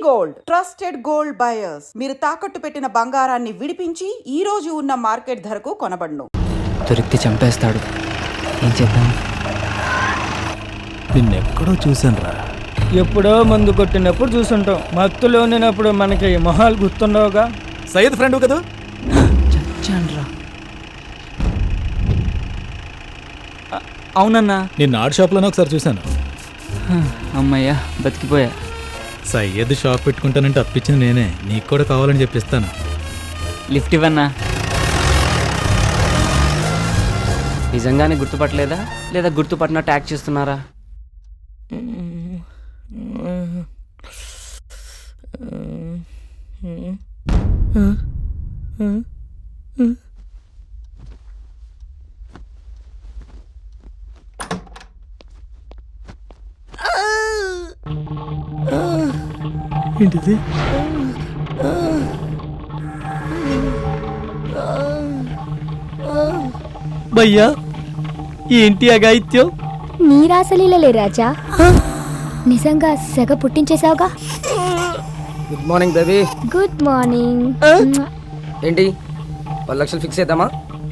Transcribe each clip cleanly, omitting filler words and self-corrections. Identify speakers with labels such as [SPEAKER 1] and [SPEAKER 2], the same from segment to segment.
[SPEAKER 1] Gold trusted gold buyers. మీరు తాకట్టు పెట్టిన బంగారాన్ని విడిపించి ఈ రోజు ఉన్న మార్కెట్ ధరకు కొనబడును.
[SPEAKER 2] దొరికితే చంపేస్తాడు. ఏం చేద్దాం?
[SPEAKER 3] నిన్నెక్కడో చూసానురా.
[SPEAKER 4] ఎప్పుడో మందు కొట్టినప్పుడు చూసుంటాం. మత్తులో ఉన్నప్పుడు మనకి మొహాలు గుర్తుండవుగా.
[SPEAKER 3] సయ్యద్ ఫ్రెండ్ కదా?
[SPEAKER 2] చచ్చాన్రా. అవునన్నా,
[SPEAKER 3] నిన్న ఆర్ట్ షాప్లోనే ఒకసారి చూశాను.
[SPEAKER 2] అమ్మయ్యా బతికిపోయా.
[SPEAKER 3] సయ్యద్ షాప్ పెట్టుకుంటానంటే అప్పించింది నేనే. నీకు కూడా కావాలని చెప్పిస్తాను.
[SPEAKER 2] లిఫ్ట్ ఇవ్వన్నా. నిజంగానే గుర్తుపట్టలేదా లేదా గుర్తుపట్టినట్టు యాక్ట్ చేస్తున్నారా?
[SPEAKER 3] ఏంటిది? భయ్యా ఏంటి అగాయిత్యం?
[SPEAKER 5] నీ రాసలీలలే రాజా. నిజంగా సెగ పుట్టించేసావుగా.
[SPEAKER 6] Good morning baby.
[SPEAKER 5] Good morning.
[SPEAKER 6] ఏంటి 10 లక్షలు ఫిక్స్ చేద్దామా?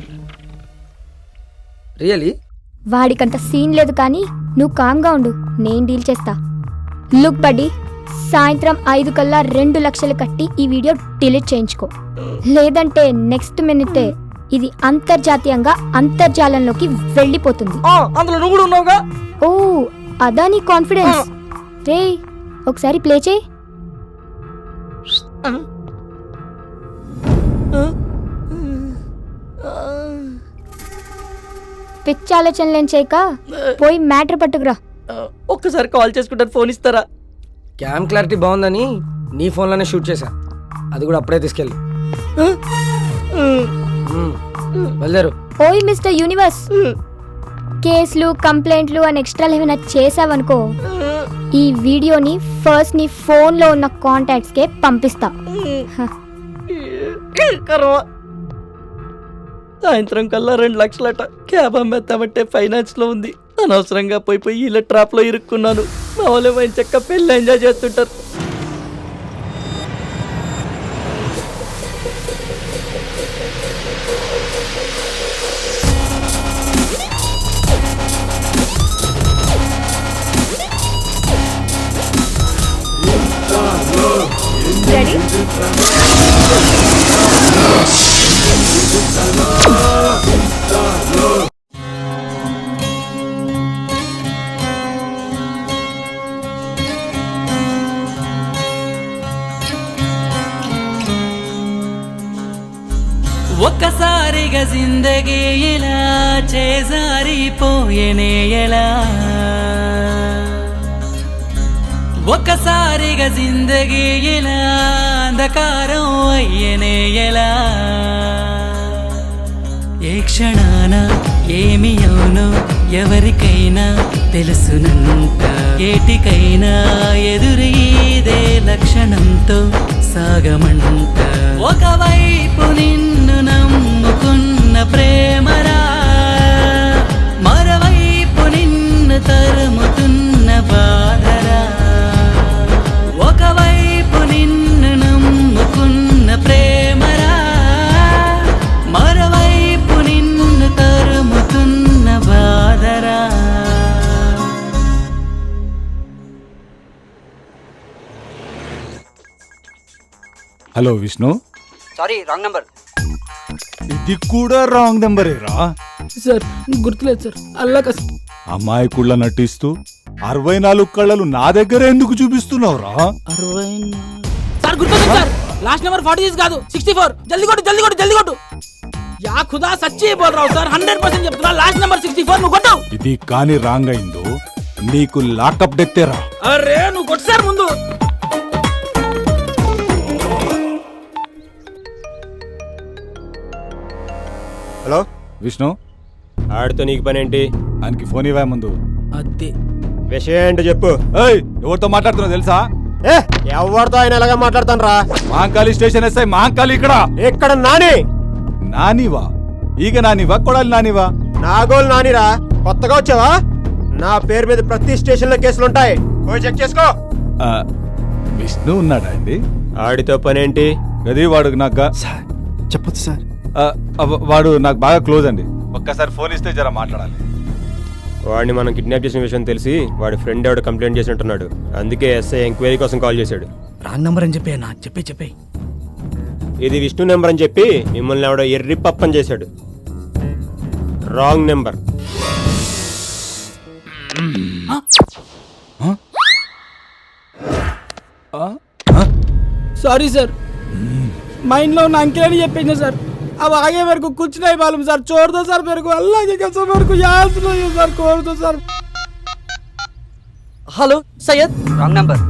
[SPEAKER 6] రియలీ?
[SPEAKER 5] వాడికంత సీన్ లేదు కానీ నువ్వు కామ్గా ఉండు, నేను డీల్ చేస్తా. లుక్ బడ్డీ, సాయంత్రం 5 కల్లా 2 లక్షలు కట్టి ఈ వీడియో డిలీట్ చేయించుకో. లేదంటే నెక్స్ట్ మినిటే ఇది అంతర్జాతీయంగా అంతర్జాలంలోకి వెళ్ళిపోతుంది.
[SPEAKER 4] అందులో నువ్వు కూడా ఉన్నావుగా.
[SPEAKER 5] ఓ అదా నీ కాన్ఫిడెన్స్. రే ఒకసారి ప్లే చేయి. పిచ్చి ఆలోచనలేం చేయక పోయి మ్యాటర్ పట్టుకురా.
[SPEAKER 4] ఒక్కసారి కాల్ చేసుకుంటాను, ఫోన్ ఇస్తారా?
[SPEAKER 6] క్యామ్ క్లారిటీ బాగుందని నీ ఫోన్లోనే షూట్ చేశా. అది కూడా అప్పుడే తీసుకెళ్ళి వెళ్ళారు.
[SPEAKER 5] ఓయ్ మిస్టర్ యూనివర్స్, కేసులు కంప్లైంట్లు అని ఎక్స్ట్రాలు ఏమైనా చేసావనుకో, ఈ వీడియోని ఫస్ట్ నీ ఫోన్లో ఉన్న కాంటాక్ట్స్ కే పంపిస్తా.
[SPEAKER 4] సాయంత్రం కల్లా 2 లక్షలట. క్యాబ్ అమ్మేస్తామంటే ఫైనాన్స్ లో ఉంది. అనవసరంగా పోయి ఇలా ట్రాప్ లో ఇరుక్కున్నాను. మా వాళ్ళు మంచి చక్క పెళ్ళి ఎంజాయ్ చేస్తుంటారు.
[SPEAKER 7] ఒక్కసారిగా జిందగీ ఇలా చేజారిపోయేనే ఎలా, ఒక్కసారిగా జిందగీ ఇలా అంధకారం అయ్యేనే ఎలా, ఏ క్షణాన ఏమి అవునో ఎవరికైనా తెలుసునంట, ఏటికైనా ఎదురీదే లక్షణంతో సాగమంట. ఒకవైపు నిన్ను నమ్ముకున్న ప్రేమరా, మరోవైపు నిన్ను తరుముతున్న బాధరా. ఒకవైపు నిన్ను నమ్ముకున్న ప్రేమరా, మరోవైపు నిన్ను తరుముతున్న బాధరా.
[SPEAKER 8] Hello Vishnu.
[SPEAKER 2] Sorry, wrong number.
[SPEAKER 8] ఇది కూడా రాంగ్ నెంబరేరా?
[SPEAKER 4] సార్ గుర్తులేదు సార్. అల్లా
[SPEAKER 8] అమాయకుళ్ళ నటిస్తూ 64 కళ్ళలు నా దగ్గర ఎందుకు చూపిస్తున్నావురా?
[SPEAKER 4] 60 సార్ గుర్తులేదు సార్. లాస్ట్ నెంబర్ 46 కాదు 64. జల్దీ కొట్టు జల్దీ కొట్టు జల్దీ కొట్టు. యా ఖుదా సచ్చి బోల్ రావు సార్. 100% చెప్తున్నా. లాస్ట్ నెంబర్ 64 నువ్వు కొట్టావు.
[SPEAKER 8] ఇది కానీ రాంగ్ అయిందో నీకు లాకప్ డెక్తేరా.
[SPEAKER 4] అరే నువ్వు కొట్టు సార్ ముందు.
[SPEAKER 8] హలో విష్ణు.
[SPEAKER 9] ఆడితో నీకు పని ఏంటి?
[SPEAKER 8] ఆయనకి ఫోన్ ఇవ్వా ముందు.
[SPEAKER 4] అదే
[SPEAKER 9] విషయం ఏంటో చెప్పు.
[SPEAKER 8] ఏయ్, ఎవరితో మాట్లాడుతున్నావు తెలుసా?
[SPEAKER 9] ఎవరితో ఆయన ఎలాగా మాట్లాడతాను రా?
[SPEAKER 8] మహంకాళి స్టేషన్ ఎస్ఐ మహంకాళి ఇక్కడ.
[SPEAKER 9] ఎక్కడ నాని?
[SPEAKER 8] నానివా? ఈగ నానివా కొడాలి నానివా?
[SPEAKER 9] నాగోలు నానిరా. కొత్తగా వచ్చావా? నా పేరు మీద ప్రతి స్టేషన్ లో కేసులుంటాయి, పోయి చెక్ చేసుకో.
[SPEAKER 8] విష్ణు ఉన్నాడా అండి?
[SPEAKER 9] ఆడితో పనేంటి?
[SPEAKER 8] అది వాడు నాకు
[SPEAKER 3] చెప్పొచ్చు సార్.
[SPEAKER 8] వాడు నాకు బాగా క్లోజ్ అండి. ఒక్కసారి ఫోన్ ఇస్తే జర మాట్లాడాలి.
[SPEAKER 9] వాడిని మనం కిడ్నాప్ చేసిన విషయం తెలిసి వాడి ఫ్రెండ్ ఎవడో కంప్లైంట్ చేసినట్టున్నాడు. అందుకే ఎస్ఐ ఎంక్వైరీ కోసం కాల్ చేశాడు.
[SPEAKER 4] రాంగ్ నంబర్ అని చెప్పి అన్న చెప్పే
[SPEAKER 9] ఇది విష్ణు నెంబర్ అని చెప్పి మిమ్మల్ని ఎవడో ఎర్రి పప్పని చేశాడు. Wrong number.
[SPEAKER 4] Sorry sir mind లో ఉన్న अंकेल ने చెప్పేసిన సార్ अब आगे मेरे को कुछ नहीं मालूम सर छोड़ दो सर मेरे को अल्लाह की कसम मेरे को याद नहीं है सर छोड़ दो sir
[SPEAKER 6] hello Syed.
[SPEAKER 2] Wrong number.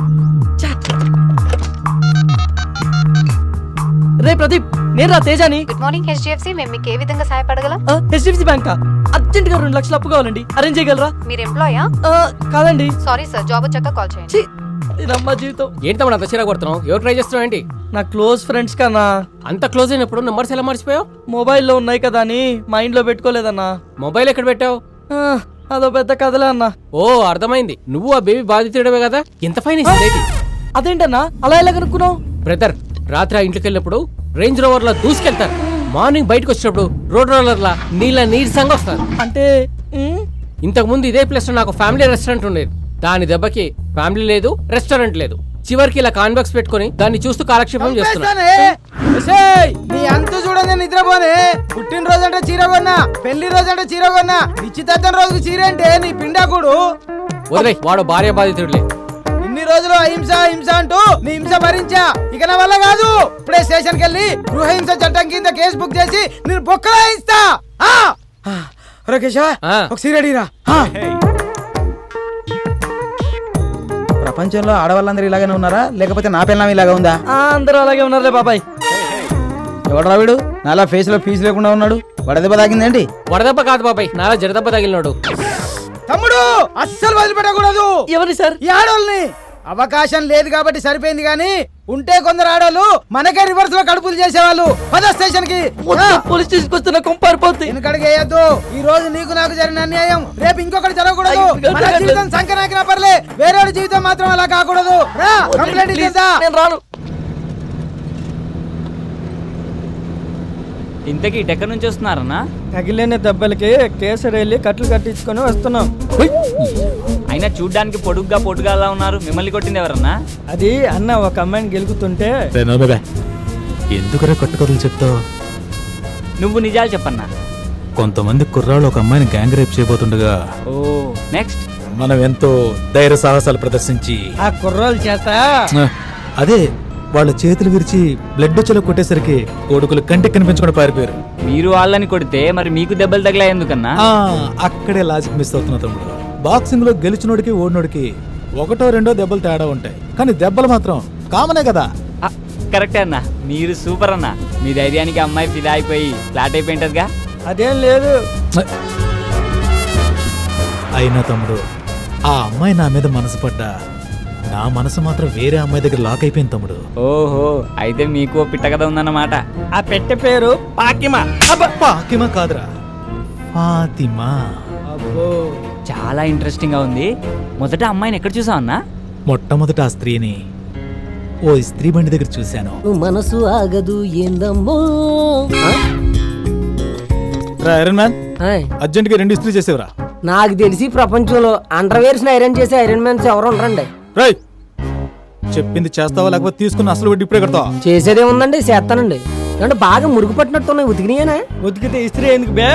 [SPEAKER 6] రే ప్రదీప్, నేను రా తేజాని.
[SPEAKER 10] Good morning HDFC. మేము మీకు ఏ విధంగా సహాయపడగలం?
[SPEAKER 6] హెచ్డిఎఫ్సి బ్యాంక్ అర్జెంట్ గా 2 లక్షలు అప్పు కావాలండి, అరేంజ్ చేయగలరా?
[SPEAKER 10] మీరు ఎంప్లాయా?
[SPEAKER 6] కాదండి.
[SPEAKER 10] సారీ సార్, జాబ్ వచ్చాక కాల్ చేయండి.
[SPEAKER 6] ఛీ, ఇదమ్మా జీవితం.
[SPEAKER 11] ఏంటి తమ్ముడు అంత చిరాకు పడుతున్నావు? ఎవరు ట్రై చేస్తున్నావు ఏంటి?
[SPEAKER 6] నా క్లోజ్ ఫ్రెండ్స్ కన్నా.
[SPEAKER 11] అంత క్లోజ్ అయినప్పుడు నెంబర్స్ ఎలా మర్చిపోయావు?
[SPEAKER 6] మొబైల్లో ఉన్నాయి కదా అని మైండ్ లో పెట్టుకోలేదన్నా.
[SPEAKER 11] మొబైల్ ఎక్కడ పెట్టావు?
[SPEAKER 6] అదో పెద్ద కథలే అన్నా.
[SPEAKER 11] ఓ అర్థమైంది, నువ్వు ఆ బేబీ బాధితుడవే కదా. ఎంత ఫైన్ ఇస్తుంది?
[SPEAKER 6] అదేంటన్నా అలా ఎలా కనుక్కున్నావు?
[SPEAKER 11] బ్రదర్, రాత్రి ఆ ఇంటికి వెళ్ళినప్పుడు రేంజ్ రోవర్ లా దూసుకెళ్తారు. మార్నింగ్ బయటకు వచ్చినప్పుడు రోడ్ రోలర్ లా నీరసంగా వస్తారు.
[SPEAKER 6] అంటే
[SPEAKER 11] ఇంతకు ముందు ఇదే ప్లేస్ లో నాకు ఫ్యామిలీ రెస్టారెంట్ ఉండేది. దాని దెబ్బకి ఫ్యామిలీ లేదు, రెస్టారెంట్ లేదు. చివరికి ఇలా కాన్బాక్స్ పెట్టుకుని దాన్ని చూస్తూ కాలక్షేపం చేస్తున్నా.
[SPEAKER 4] నీ అంత చూడండి నిద్రపోనే. పుట్టినరోజు అంటే చీర కొన్నా, పెళ్లి రోజు అంటే చీర కొన్నా, నిశ్చితార్థం రోజుకి చీర అంటే నీ పిండాకుడు.
[SPEAKER 11] వదిలే, వాడు భార్య బాధితుడులే.
[SPEAKER 4] ఇన్ని రోజులు అహింస హింస అంటూ నీ హింస భరించా, ఇక నా వల్ల కాదు. ఇప్పుడే స్టేషన్ కి వెళ్ళి గృహహింస చట్టం కింద కేసు బుక్ చేసి నేను బొక్కలా ఇస్తా. రాకేషా ఒక సీరడీరా. ప్రపంచంలో ఆడవాళ్ళందరూ ఇలాగనే ఉన్నారా, లేకపోతే నా పిల్లం ఇలాగా ఉందా?
[SPEAKER 6] అందరూ అలాగే ఉన్నారులే బాబాయ్.
[SPEAKER 4] ఎవడరా వీడు నాలా ఫేస్ లో ఫీజు లేకుండా ఉన్నాడు? వడదెబ్బ తాగిందేంటి?
[SPEAKER 11] వడదెబ్బ కాదు బాబాయ్, నాలా జడదెబ్బ తగిలినాడు.
[SPEAKER 4] తమ్ముడు అస్సలు వదిలిపెట్టకూడదు.
[SPEAKER 6] ఎవరి సార్?
[SPEAKER 4] ఈ ఆడోళ్ళని. అవకాశం లేదు కాబట్టి సరిపోయింది, గానీ ఉంటే కొందరు ఆడోళ్ళు మనకే రివర్స్ లో కడుపులు చేసేవాళ్ళు. పద స్టేషన్ కి.
[SPEAKER 6] పోలీస్ స్టేషన్ వస్తున్న కొంపారిపోతుంది.
[SPEAKER 4] వెనకడికి వేయద్దు. ఈ రోజు నీకు నాకు జరిగిన అన్యాయం రేపు ఇంకొకటి జరగకూడదు. మన జీవితం సంకనాకినా పర్లే, వేరే జీవితం మాత్రం అలా కాకూడదు. రా కంప్లైంట్ ఇచ్చేద్దా.
[SPEAKER 6] నేను రాను.
[SPEAKER 2] ఇంతకీ ఎక్కడి నుంచి వస్తున్నారన్నా?
[SPEAKER 6] తగిలిన దెబ్బలకి కేసరి వెళ్ళి కట్లు కట్టించుకొని వస్తున్నాం.
[SPEAKER 2] అయినా చూడ్డానికి పొడుగ్గా పొడుగాలా ఉన్నారు. మిమ్మల్ని కొట్టింది ఎవరన్నా?
[SPEAKER 6] అది అన్న ఒక అమ్మాయిని గెలుకుతుంటే.
[SPEAKER 3] ఎందుకురా కట్టుకథలు చెప్తావు?
[SPEAKER 2] నువ్వు నిజాలు చెప్పన్నా.
[SPEAKER 3] కొంతమంది కుర్రాళ్ళు ఒక అమ్మాయిని గ్యాంగ్ రేప్ చేయబోతుండగా
[SPEAKER 2] ఓ నెక్స్ట్
[SPEAKER 3] మనం ఎంతో ధైర్య సాహసాలు ప్రదర్శించి
[SPEAKER 6] ఆ కుర్రాల చేత
[SPEAKER 3] అదే వాళ్ళ చేతులు విరిచి బ్లడ్ వచ్చేలా కొట్టేసరికి కొడుకులు కంటికి కనిపించకుండా పారిపోయారు.
[SPEAKER 2] మీరు వాళ్ళని కొడితే మరి మీకు దెబ్బలు తగిలా ఎందుకన్నా?
[SPEAKER 3] అక్కడే లాజిక్ మిస్ అవుతున్నా తమ్ముడు. బాక్సింగ్ లో గెలిచినోడికి ఓడినోడికి 1-2 దెబ్బలు తేడా ఉంటాయి, కానీ దెబ్బలు మాత్రం కామనే కదా.
[SPEAKER 2] కరెక్టే అన్నా, మీరు సూపర్ అన్నా. మీ ధైర్యానికి అమ్మాయి ఫిదా అయిపోయి ఫ్లాట్ అయిపోయింటదిగా.
[SPEAKER 6] అదేం లేదు.
[SPEAKER 3] అయినా తమ్ముడు, ఆ అమ్మాయి నా మీద మనసు పడ్డా నా మనసు మాత్రం వేరే అమ్మాయి దగ్గర లాక్ అయిపోయింది తమ్ముడు.
[SPEAKER 2] ఓహో, అయితే మీకు పిట్ట కథ ఉందన్నమాట.
[SPEAKER 6] ఆ పెట్టె పేరు పాకిమా.
[SPEAKER 3] పాకిమా కాదురా, ఫాతిమా.
[SPEAKER 6] అబ్బో,
[SPEAKER 2] చాలా ఇంట్రెస్టింగ్ గా ఉంది. మొదట అమ్మాయిని ఎక్కడ చూసావు అన్నా?
[SPEAKER 3] మొట్టమొదట ఆ స్త్రీని ఓ ఇస్త్రీ బండి దగ్గర చూశాను.
[SPEAKER 6] మనసు ఆగదు ఏందమ్మో.
[SPEAKER 3] ఐరన్ మ్యాన్, అర్జెంట్ గా 2 ఇస్త్రీ చేసేవరా.
[SPEAKER 6] నాకు తెలిసి ప్రపంచంలో అండర్వేర్స్ ఐరన్ చేసే ఐరన్ మ్యాన్స్ ఎవరు ఉండరండి.
[SPEAKER 3] రై, చెప్పింది చేస్తావా లేకపోతే తీసుకున్న అసలు వడ్డీ ఇప్పుడే కడతావా?
[SPEAKER 6] చేసేదే ఉందండి, చేస్తానండి. అంటే బాగా మురుగు పట్టినట్టున్నాయి. ఉతికినాయనా? ఉతికితే ఇస్త్రీ ఎందుకు బే?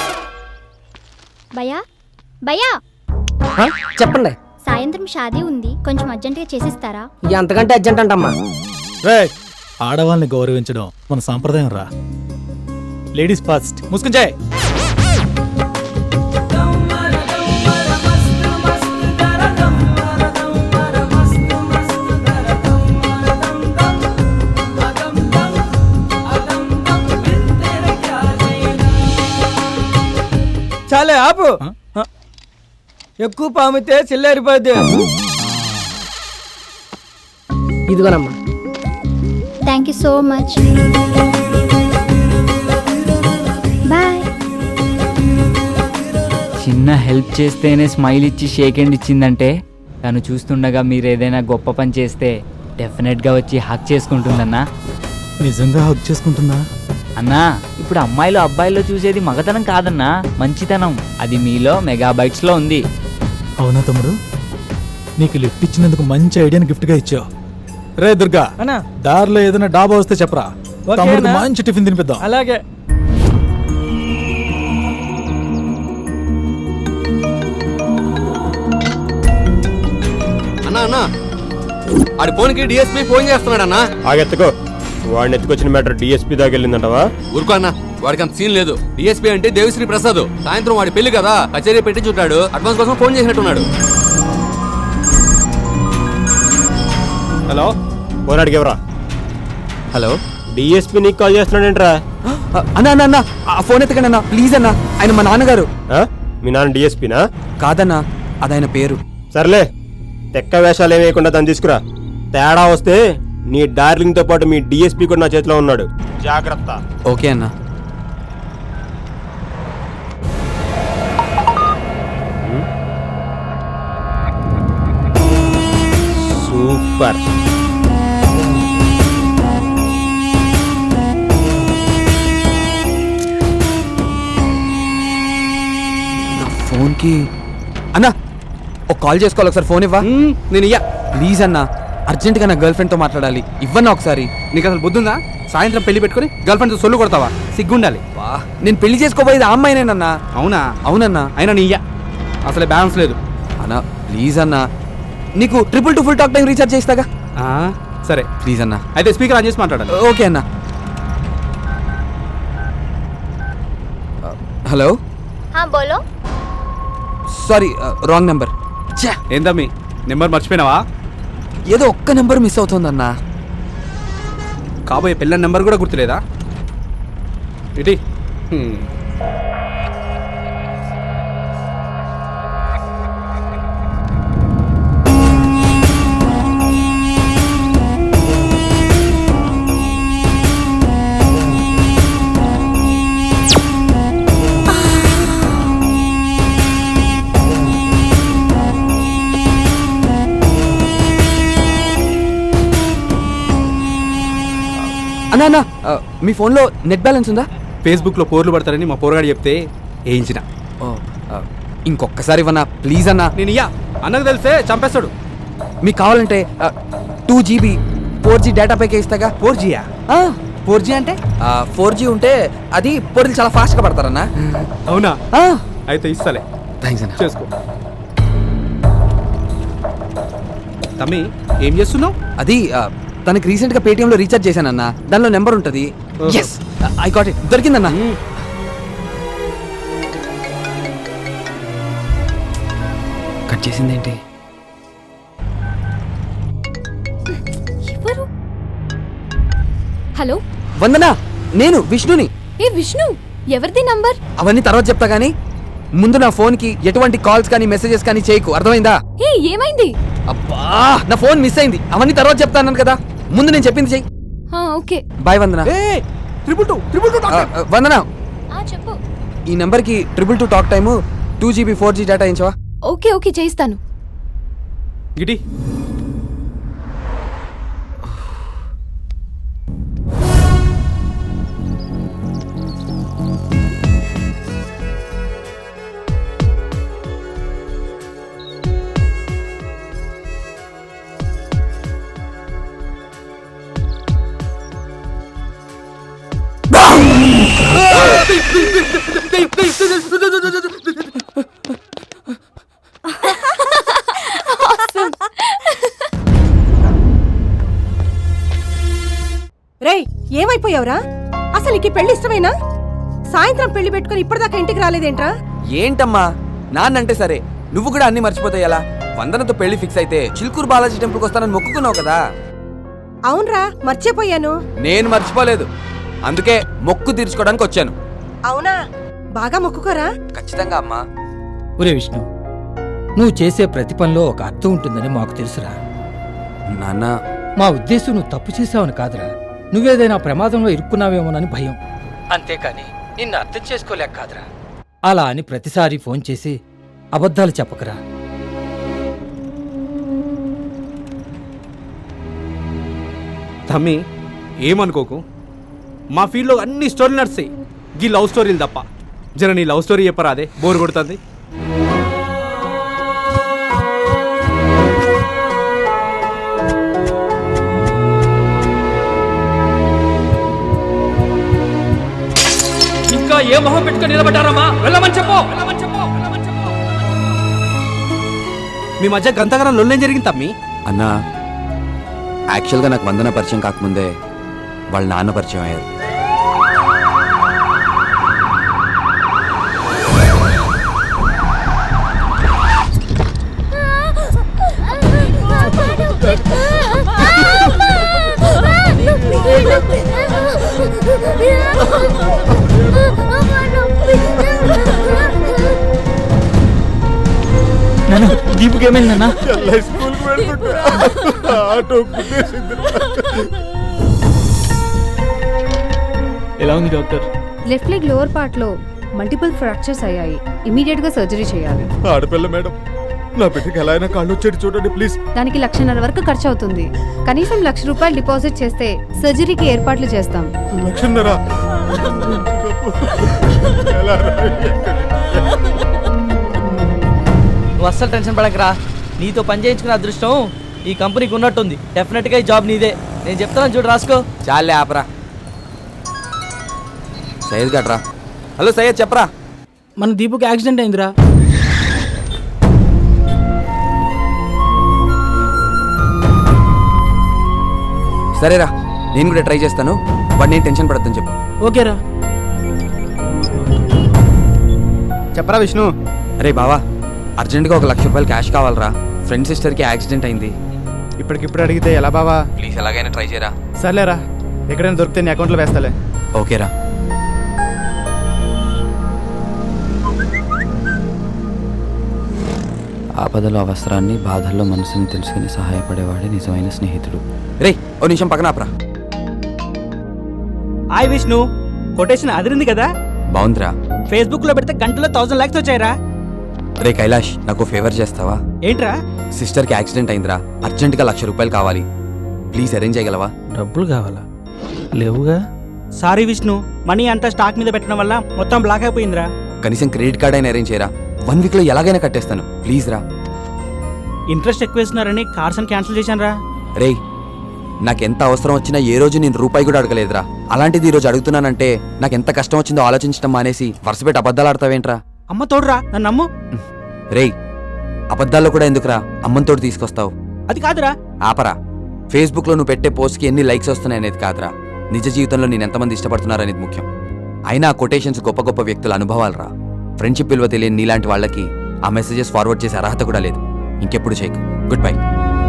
[SPEAKER 5] భయా భయా,
[SPEAKER 6] చెప్పండి.
[SPEAKER 5] సాయంత్రం షాదీ ఉంది, కొంచెం అర్జెంటుగా చేసిస్తారా?
[SPEAKER 6] ఎంతకంటే అర్జెంట్ అంటమ్మా.
[SPEAKER 3] రే, ఆడవాళ్ళని గౌరవించడం మన సాంప్రదాయం రా. Ladies first. ముసుకుంచాయ్.
[SPEAKER 6] చాలే ఆపు. ఎక్కువ పామితే చిల్లారిపోద్ది. ఇదిగోనమ్మా.
[SPEAKER 5] Thank you so much. Bye.
[SPEAKER 2] చిన్న హెల్ప్ చేస్తేనే స్మైల్ ఇచ్చి షేక్ హ్యాండ్ ఇచ్చిందంటే తను చూస్తుండగా మీరు ఏదైనా గొప్ప పని చేస్తే డెఫినెట్గా వచ్చి హక్ చేసుకుంటుందన్నా.
[SPEAKER 3] నిజంగా హక్ చేసుకుంటుందా?
[SPEAKER 2] అన్నా, ఇప్పుడు అమ్మాయిలు అబ్బాయిల్లో చూసేది మగతనం కాదన్నా, మంచితనం. అది మీలో మెగాబైట్స్లో ఉంది.
[SPEAKER 3] అవునా తమ్ముడు? నీకు లిఫ్ట్ ఇచ్చినందుకు మంచి ఐడియాని గిఫ్ట్గా ఇచ్చావు. రే దుర్గా,
[SPEAKER 6] అన్నా
[SPEAKER 3] దారిలో ఏదైనా డాబా వస్తే చెప్పరా, తమ్ముడికి మంచి టిఫిన్ తినిపిద్దాం.
[SPEAKER 6] అలాగే.
[SPEAKER 12] అన్నా అన్నా ఆడి ఫోన్కి డిఎస్పీ ఫోన్ చేస్తున్నాడు అన్నా.
[SPEAKER 9] ఆగెత్తుకో. వాడిని ఎత్తుకొచ్చిన మ్యాటర్ డిఎస్పీ దాకా వెళ్ళిందంటవా?
[SPEAKER 12] ఊరుకో అన్న, వాడికి అంత సీన్ లేదు. డిఎస్పీ అంటే దేవిశ్రీ ప్రసాద్. సాయంత్రం వాడి పెళ్లి కదా, కచేరీ పెట్టి చుట్టాడు. అడ్వాన్స్ కోసం ఫోన్ చేసినట్టున్నాడు.
[SPEAKER 9] హలో, ఫోన్ అడిగేవరా?
[SPEAKER 6] హలో,
[SPEAKER 9] డిఎస్పీ నీకు కాల్ చేస్తున్నాడేంట్రా?
[SPEAKER 6] అన్నా అన్న అన్న ఆ ఫోన్ ఎత్తకండి అన్న ప్లీజ్ అన్న. ఆయన మా నాన్నగారు.
[SPEAKER 9] మీ నాన్న డిఎస్పీనా?
[SPEAKER 6] కాదన్నా, అదాయన పేరు.
[SPEAKER 9] సర్లే, తెక్క వేషాలు ఏమి వేయకుండా దాన్ని తీసుకురా. తేడా వస్తే నీ డార్లింగ్ తో పాటు మీ డిఎస్పీ కూడా నా చేతిలో ఉన్నాడు. జాగ్రత్త.
[SPEAKER 6] ఓకే అన్న.
[SPEAKER 9] సూపర్.
[SPEAKER 6] ఫోన్కి అన్నా ఒక కాల్ చేసుకోవాలి, ఒకసారి ఫోన్ ఇవ్వా. నేను ఇయ్యా ప్లీజ్ అన్నా, అర్జెంట్గా నా గర్ల్ ఫ్రెండ్తో మాట్లాడాలి. ఇవ్వన్నా ఒకసారి. నీకు అసలు బుద్ధుందా? సాయంత్రం పెళ్లి పెట్టుకుని గర్ల్ ఫ్రెండ్తో సొల్లు కొడతావా? సిగ్గుండాలి. నేను పెళ్లి చేసుకోబోయేది ఆ అమ్మాయినేనన్నా. అవునా? అవునన్నా. అయినా నీ ఇయ్యా అసలే బ్యాలెన్స్ లేదు అన్నా. ప్లీజ్ అన్నా, నీకు 222 ఫుల్ టాక్ టైం రీఛార్జ్ చేస్తాగా. సరే ప్లీజ్ అన్నా. అయితే స్పీకర్ ఆన్ చేసి మాట్లాడాలి. ఓకే అన్నా. హలో,
[SPEAKER 5] బోలో.
[SPEAKER 6] Sorry, wrong number. ఏందమ్మి, నెంబర్ మర్చిపోయినావా? ఏదో ఒక్క నెంబర్ మిస్ అవుతుందన్నా. కాబోయే పిల్లల నెంబర్ కూడా గుర్తులేదా? ఇటీ అన్నా అన్నా, మీ ఫోన్లో నెట్ బ్యాలెన్స్ ఉందా? ఫేస్బుక్లో పోర్లు పడతారని మా పోరగాడు చెప్తే వేయించిన. ఇంకొకసారి ఇవ్వనా ప్లీజ్ అన్నా. నేను ఇయ్యా, అన్నకు తెలిస్తే చంపేస్తాడు. మీకు కావాలంటే 2GB 4G డేటా ప్యాకే ఇస్తాగా. 4Gయా? 4G అంటే 4G ఉంటే అది పోర్లు చాలా ఫాస్ట్గా పడతారన్నా. అవునా? అయితే ఇస్తాలే. థ్యాంక్స్ అన్న. చేసుకో. తమ్మి ఏం చేస్తున్నావు? అది తనకి రీసెంట్ గా పేటిఎం లో రీఛార్జ్ చేశానన్నా. దానిలో నెంబర్ ఉంటది. yes I got it. దొరికిందన్నా. కట్ చేసిందేంటి?
[SPEAKER 5] ఎవరు? హలో
[SPEAKER 6] వందనా, నేను విష్ణుని.
[SPEAKER 5] ఏ విష్ణు, ఎవరిది నంబర్?
[SPEAKER 6] అవన్నీ తర్వాత చెప్తా గానీ ముందు నా ఫోన్ కి ఎటువంటి కాల్స్ కానీ మెసేజెస్ కానీ చేయకు, అర్థమైందా?
[SPEAKER 5] ఏ ఏమైంది?
[SPEAKER 6] అబ్బా, నా ఫోన్ మిస్ అయింది. అవన్నీ తర్వాత చెప్తాను కదా, ముందు నేను చెప్పింది చెయ్యి.
[SPEAKER 5] ఓకే
[SPEAKER 6] బాయ్ వందనా. వందనా,
[SPEAKER 5] చెప్పు.
[SPEAKER 6] ఈ నెంబర్ కి 222 talk time 2GB 4G data ఇచ్చావా?
[SPEAKER 5] ఓకే ఓకే చేయిస్తాను.
[SPEAKER 6] గిటి
[SPEAKER 13] రేయ్, ఏమైపోయావురా? అసలు నీకు పెళ్లి ఇష్టమేనా? సాయంత్రం పెళ్లి పెట్టుకుని ఇప్పటిదాకా ఇంటికి రాలేదేంట్రా?
[SPEAKER 6] ఏంటమ్మా, నాన్నంటే సరే నువ్వు కూడా అన్ని మర్చిపోతాయి ఎలా? వందనతో పెళ్లి ఫిక్స్ అయితే చిలుకూరు బాలాజీ టెంపుల్కి వస్తానని మొక్కుకున్నావు కదా.
[SPEAKER 13] అవునరా, మర్చిపోయాను.
[SPEAKER 6] నేను మర్చిపోలేదు, అందుకే మొక్కు తీర్చుకోవడానికి వచ్చాను.
[SPEAKER 13] అవునా, బాగా మొక్కుకోరా.
[SPEAKER 6] ఖచ్చితంగా అమ్మా.
[SPEAKER 4] ఒరే విష్ణు, నువ్వు చేసే ప్రతి పనిలో ఒక అర్థం ఉంటుందని మాకు తెలుసురా
[SPEAKER 6] నాన్న.
[SPEAKER 4] మా ఉద్దేశం నువ్వు తప్పు చేసావని కాదురా, నువ్వేదైనా ప్రమాదంలో ఇరుక్కున్నావేమోనని భయం. అంతేకాని నిన్ను అర్థం చేసుకోలేక కాదురా. అలా అని ప్రతిసారి ఫోన్ చేసి అబద్ధాలు చెప్పకరా.
[SPEAKER 6] తమ్మి ఏమనుకోకు, మా ఫీల్డ్లో అన్ని స్టోరీలు నడుస్తాయి, ఈ లవ్ స్టోరీలు తప్ప. జర నీ లవ్ స్టోరీ చెప్పరా, అదే బోర్ కొడుతుంది.
[SPEAKER 11] ఇంకా ఏ మొహం పెట్టుకొని నిలబడ్డారమ్మా? వెళ్ళమని చెప్పు.
[SPEAKER 6] మీ మధ్య గంతగానం లొల్లేం జరిగింది తమ్మి?
[SPEAKER 14] అన్న, యాక్చువల్గా నాకు వందన పరిచయం కాకముందే వాళ్ళ నాన్న పరిచయం అయ్యారు.
[SPEAKER 2] నాన్న దీపుకి ఏమైందన్నా? ఎలా ఉంది doctor?
[SPEAKER 10] Left leg lower part లో మల్టిపుల్ ఫ్రాక్చర్స్ అయ్యాయి. ఇమీడియట్ గా సర్జరీ చేయాలి.
[SPEAKER 8] ఆడపిల్ల మేడం, నా బిడ్డకి ఎలా అయినా కాళ్ళు వచ్చేది చూడండి ప్లీజ్.
[SPEAKER 10] దానికి 1,50,000 వరకు ఖర్చు అవుతుంది. కనీసం ₹1,00,000 డిపాజిట్ చేస్తే సర్జరీకి ఏర్పాట్లు చేస్తాం.
[SPEAKER 8] 1,00,000?
[SPEAKER 4] నువ్వు అస్సలు టెన్షన్ పడకరా. నీతో పని చేయించుకున్న అదృష్టం ఈ కంపెనీకి ఉన్నట్టుంది. డెఫినెట్గా ఈ జాబ్ నీదే. నేను చెప్తాను చూడు, రాసుకో.
[SPEAKER 6] చాలే ఆపరా. సయ్యద్ గట్రా. హలో సయ్యద్, చెప్పరా.
[SPEAKER 4] మన దీపుకి యాక్సిడెంట్ అయిందిరా.
[SPEAKER 6] సరేరా, నేను కూడా ట్రై చేస్తాను. వాడు నేను టెన్షన్ పడద్దని చెప్పు.
[SPEAKER 4] ఓకేరా.
[SPEAKER 6] చెప్పరా విష్ణు. అరే బావా, అర్జెంట్గా ₹1,00,000 క్యాష్ కావాలరా. ఫ్రెండ్ సిస్టర్కి యాక్సిడెంట్ అయింది.
[SPEAKER 9] ఇప్పటికిప్పుడు అడిగితే ఎలా బావా?
[SPEAKER 6] ప్లీజ్ ఎలాగైనా ట్రై చేయరా.
[SPEAKER 9] సర్లేరా, ఎక్కడైనా దొరికితే నీ అకౌంట్లో వేస్తాలే.
[SPEAKER 6] ఓకేరా.
[SPEAKER 14] ఆపదలో అవసరాన్ని, బాధల్లో మనసుని తెలుసుకుని సహాయపడేవాడే నిజమైన స్నేహితుడు.
[SPEAKER 6] రే ఓ నిమిషం పక్కన ఆపరా.
[SPEAKER 4] హాయ్ విష్ణు, కొటేషన్ అదిరింది కదా?
[SPEAKER 14] బాగుందిరా.
[SPEAKER 4] ఫేస్బుక్ లో పెడితే గంటలో 1,000 లైక్స్ వచ్చాయిరా.
[SPEAKER 14] రే కైలాష్, నాకు ఫేవర్ చేస్తావా?
[SPEAKER 4] ఏంట్రా?
[SPEAKER 14] సిస్టర్కి యాక్సిడెంట్ అయిందిరా. అర్జెంటుగా ₹1,00,000 కావాలి. ప్లీజ్ అరేంజ్ చేయగలవా?
[SPEAKER 4] డబ్బులు కావాలా? లేవుగా. సారీ విష్ణు, మనీ అంతా స్టాక్ మీద పెట్టడం వల్ల మొత్తం బ్లాక్ అయిపోయిందిరా.
[SPEAKER 14] కనీసం క్రెడిట్ కార్డ్ అయినా అరేంజ్ చేయరా. 1 వీక్లో ఎలాగైనా కట్టేస్తాను. ప్లీజ్ రా.
[SPEAKER 4] ఇంట్రెస్ట్ ఎక్కువ ఇస్తున్నారని కార్స్ అని క్యాన్సిల్ చేశాను రా.
[SPEAKER 14] రే, నాకెంత అవసరం వచ్చినా ఏ రోజు నేను రూపాయి కూడా అడగలేదురా. అలాంటిది ఈ రోజు అడుగుతున్నానంటే నాకెంత కష్టం వచ్చిందో ఆలోచించడం మానేసి వరుసపెట్టి అబద్ధాలు ఆడతావేంట్రా?
[SPEAKER 4] అమ్మ తోడురా, నన్ను నమ్ము.
[SPEAKER 14] రేయ్, అబద్ధాల్లో కూడా ఎందుకురా అమ్మంతోటి తీసుకొస్తావు?
[SPEAKER 4] అది కాదురా.
[SPEAKER 14] ఆపరా. ఫేస్బుక్లో నువ్వు పెట్టే పోస్ట్కి ఎన్ని లైక్స్ వస్తున్నాయి అనేది కాదురా, నిజ జీవితంలో నేను ఎంతమంది ఇష్టపడుతున్నారనేది ముఖ్యం. అయినా ఆ కొటేషన్స్ గొప్ప గొప్ప వ్యక్తుల అనుభవాలరా. ఫ్రెండ్షిప్ విలువ తెలియని నీలాంటి వాళ్ళకి ఆ మెసేజెస్ ఫార్వర్డ్ చేసే అర్హత కూడా లేదు. ఇంకెప్పుడు చేయకు. Good bye.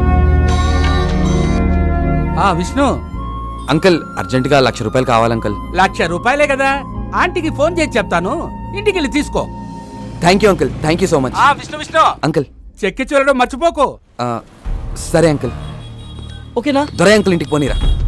[SPEAKER 4] విష్ణు
[SPEAKER 14] అంకుల్, అర్జెంటుగా ₹1,00,000 కావాలంకుల్.
[SPEAKER 4] ₹1,00,000 కదా, ఆంటీకి ఫోన్ చేసి చెప్తాను, ఇంటికి వెళ్ళి తీసుకో.
[SPEAKER 14] Thank you uncle, thank you so much.
[SPEAKER 4] Vishnu
[SPEAKER 14] uncle
[SPEAKER 4] చెక్కి చూడడం మర్చిపోకు.
[SPEAKER 14] సరే అంకుల్.
[SPEAKER 4] ఓకేనా?
[SPEAKER 14] దొరై అంకుల్ ఇంటికి పోనీరా.